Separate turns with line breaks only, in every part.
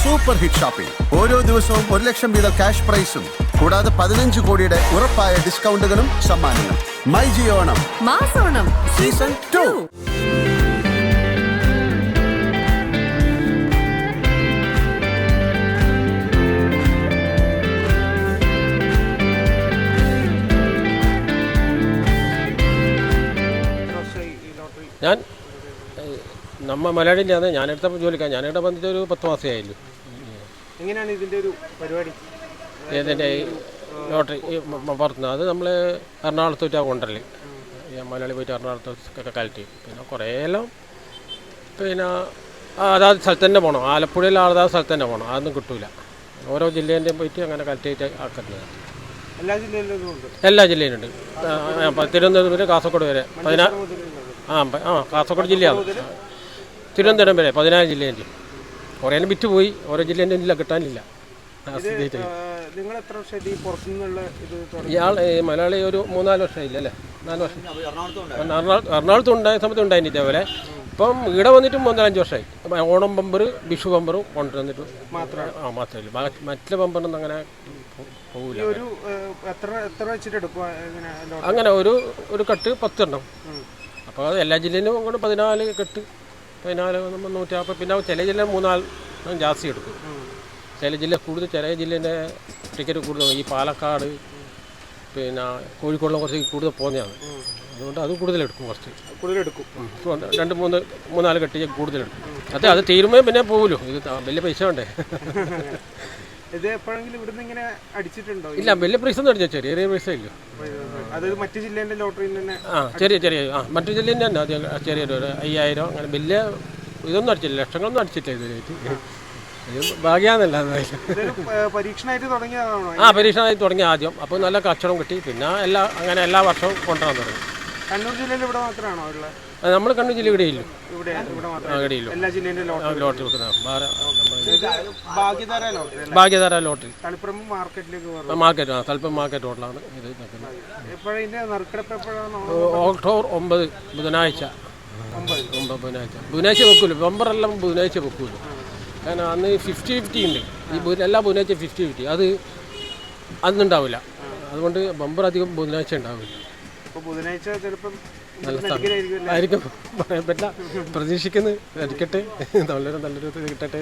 Super hit shopping. ഓരോ ദിവസവും 1 ലക്ഷം വീതം ക്യാഷ് പ്രൈസും കൂടാതെ 15 കോടിയുടെ ഉറപ്പായ ഡിസ്കൗണ്ടുകളും സമ്മാനങ്ങളും. മൈ ജിയോ ഓണം
മാസോണം
സീസൺ 2.
ഞാൻ മലയാളിയിലാണ് ഞാനെടുത്ത ജോലിക്കാണ്. ഞാനിവിടെ വന്നിട്ട് ഒരു 10 മാസമേ ആയുള്ളൂ.
എങ്ങനെയാണ് ഇതിൻ്റെ ഒരു പരിപാടി?
ഇതിൻ്റെ ലോട്ടറി പുറത്തുനിന്ന് അത് നമ്മൾ എറണാകുളത്തോട്ടാണ് കൊണ്ടുവരല്. മലയാളി പോയിട്ട് എറണാകുളത്തൊക്കെ കളക്ട് ചെയ്യും. പിന്നെ കുറേ എല്ലാം പിന്നെ അതാത് സ്ഥലത്ത് തന്നെ പോകണം. ആലപ്പുഴയിൽ അതാത് സ്ഥലത്ത് തന്നെ പോകണം. അതൊന്നും കിട്ടില്ല. ഓരോ ജില്ലേൻ്റെയും പോയിട്ട് അങ്ങനെ കളക്ട് ചെയ്തിട്ട് ആക്കുന്നത്.
എല്ലാ ജില്ലയിലും ഉണ്ട്.
എല്ലാ ജില്ലയിലുണ്ട്. തിരുവനന്തപുരം വരെ കാസർഗോഡ് വരെ കാസർഗോഡ് ജില്ലയാണ്. തിരുവനന്തപുരം വരെ 14 ജില്ലേൻ്റെ. കുറേ വിറ്റ് പോയി. ഓരോ ജില്ലേൻ്റെ ഇല്ല, കിട്ടാനില്ല.
നിങ്ങൾ എത്ര വർഷമായിട്ട് ഈ പുറത്തുനിന്നുള്ള ഇത്?
ഇയാൾ മലയാളി ഒരു 3-4 വർഷമായില്ല അല്ലേ? 4 വർഷം. എറണാകുളത്ത് ഉണ്ടായ സമയത്ത് ഉണ്ടായിരുന്നു ഇതേപോലെ. ഇപ്പം ഇവിടെ വന്നിട്ട് 3-5 വർഷമായി. ഓണം ബമ്പർ, വിഷു ബമ്പറും കൊണ്ടുവന്നിട്ട് മാത്രമേ. മറ്റുള്ള ബമ്പറൊന്നും അങ്ങനെ പോകില്ല. അങ്ങനെ ഒരു കെട്ട് 10 എണ്ണം. അപ്പോൾ അത് എല്ലാ ജില്ലയിലും കൊണ്ട് 14 കെട്ട്. 14 150. പിന്നെ ചില ജില്ല 3-4 ജാസ്തി എടുക്കും. ചില ജില്ല കൂടുതൽ, ചില ജില്ലേൻ്റെ ടിക്കറ്റ് കൂടുതൽ. ഈ പാലക്കാട് പിന്നെ കോഴിക്കോടിലും കുറച്ച് കൂടുതൽ പോകുന്നതാണ്. അതുകൊണ്ട് അത് കൂടുതലെടുക്കും. കുറച്ച്
കൂടുതലെടുക്കും.
2-3-4 കെട്ടി കൂടുതലെടുക്കും. അത് തീരുമ്പോൾ പിന്നെ പോകുമല്ലോ. ഇത് വലിയ പൈസ വേണ്ടേ?
ഇത് എപ്പോഴെങ്കിലും ഇവിടുന്ന് ഇങ്ങനെ അടിച്ചിട്ടുണ്ടോ?
ഇല്ല, വലിയ പൈസ ഒന്നും അടിച്ചാൽ ചെറിയ പൈസ ഇല്ല.
അത് മറ്റു ജില്ലേൻ്റെ ലോട്ടറിയിൽ തന്നെ
ചെറിയ മറ്റു ജില്ലേൻ്റെ തന്നെ ആദ്യം ചെറിയൊരു 5000 അങ്ങനെ വലിയ ഇതൊന്നും അടിച്ചില്ല. ലക്ഷങ്ങളൊന്നും അടിച്ചില്ല ഇതുവരെയായിട്ട്. ഭാഗ്യാന്നല്ല.
പരീക്ഷണമായിട്ട് തുടങ്ങിയതാണോ?
പരീക്ഷണമായിട്ട് തുടങ്ങി ആദ്യം. അപ്പോൾ നല്ല കച്ചവടം കിട്ടി. പിന്നെ എല്ലാ വർഷവും കൊണ്ടുവരാൻ തുടങ്ങി.
കണ്ണൂർ ജില്ലയിൽ ഇവിടെ മാത്രമാണോ ഉള്ളത്?
നമ്മൾ കണ്ണൂർ ജില്ല ഇവിടെയില്ല.
ഇവിടെയില്ല. എല്ലാ ജില്ലേൻ്റെ
ലോട്ടറി വെക്കുന്ന
ഭാഗ്യധാര
ലോട്ടറി
തളിപ്പറം മാർക്കറ്റിലേക്ക്
തളിപ്പറം മാർക്കറ്റ് റോഡിലാണ് ഇത് നിൽക്കുന്നത്.
നറുക്കെടുപ്പ്
ഒക്ടോബർ 9 ബുധനാഴ്ച. ബുധനാഴ്ച വെക്കൂല. ബമ്പറെല്ലാം ബുധനാഴ്ച വെക്കൂല. കാരണം അന്ന് 50-50 ഉണ്ട്. ഈ എല്ലാ ബുധനാഴ്ച 50-50. അത് അന്നുണ്ടാവില്ല. അതുകൊണ്ട് ബമ്പർ അധികം ബുധനാഴ്ച ഉണ്ടാവില്ല.
ബുധനാഴ്ച ചിലപ്പം
ആയിരിക്കും, പറയാൻ പറ്റില്ല. പ്രതീക്ഷിക്കുന്നത് അടിക്കട്ടെ, നല്ലൊരു കിട്ടട്ടെ.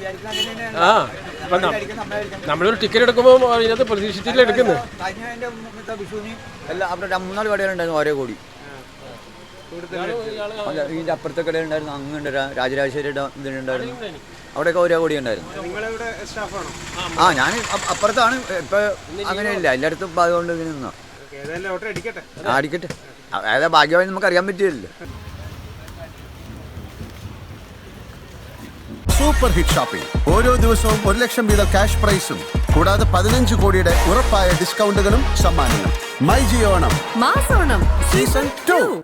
നമ്മളൊരു ടിക്കറ്റ് എടുക്കുമ്പോൾ അതിനകത്ത് പ്രതീക്ഷിച്ചില്ല എടുക്കുന്നത്.
അവിടെ 3-4 കടകളുണ്ടായിരുന്നു. ഓരോ കോടി ഇതിൻ്റെ അപ്പുറത്തെ കടയുണ്ടായിരുന്നു. അങ്ങുണ്ട് രാജരാജേശ്വരിയുടെ ഇതിനുണ്ടായിരുന്നു. അവിടെയൊക്കെ ഓരോ കോടി ഉണ്ടായിരുന്നു. ഞാൻ അപ്പുറത്താണ്. ഇപ്പം അങ്ങനെയില്ല, എല്ലായിടത്തും അതുകൊണ്ട് ഇങ്ങനെ നിന്നോ. അടിക്കട്ടെ. അതായത് ഭാഗ്യമായി നമുക്ക് അറിയാൻ പറ്റില്ലല്ലോ.
Super hit shopping. ഓരോ ദിവസവും 1 ലക്ഷം വീതം ക്യാഷ് പ്രൈസും കൂടാതെ 15 കോടിയുടെ ഉറപ്പായ ഡിസ്കൗണ്ടുകളും സമ്മാനങ്ങളും. മൈ ജിയോ ഓണം
മാസോണം
സീസൺ 2.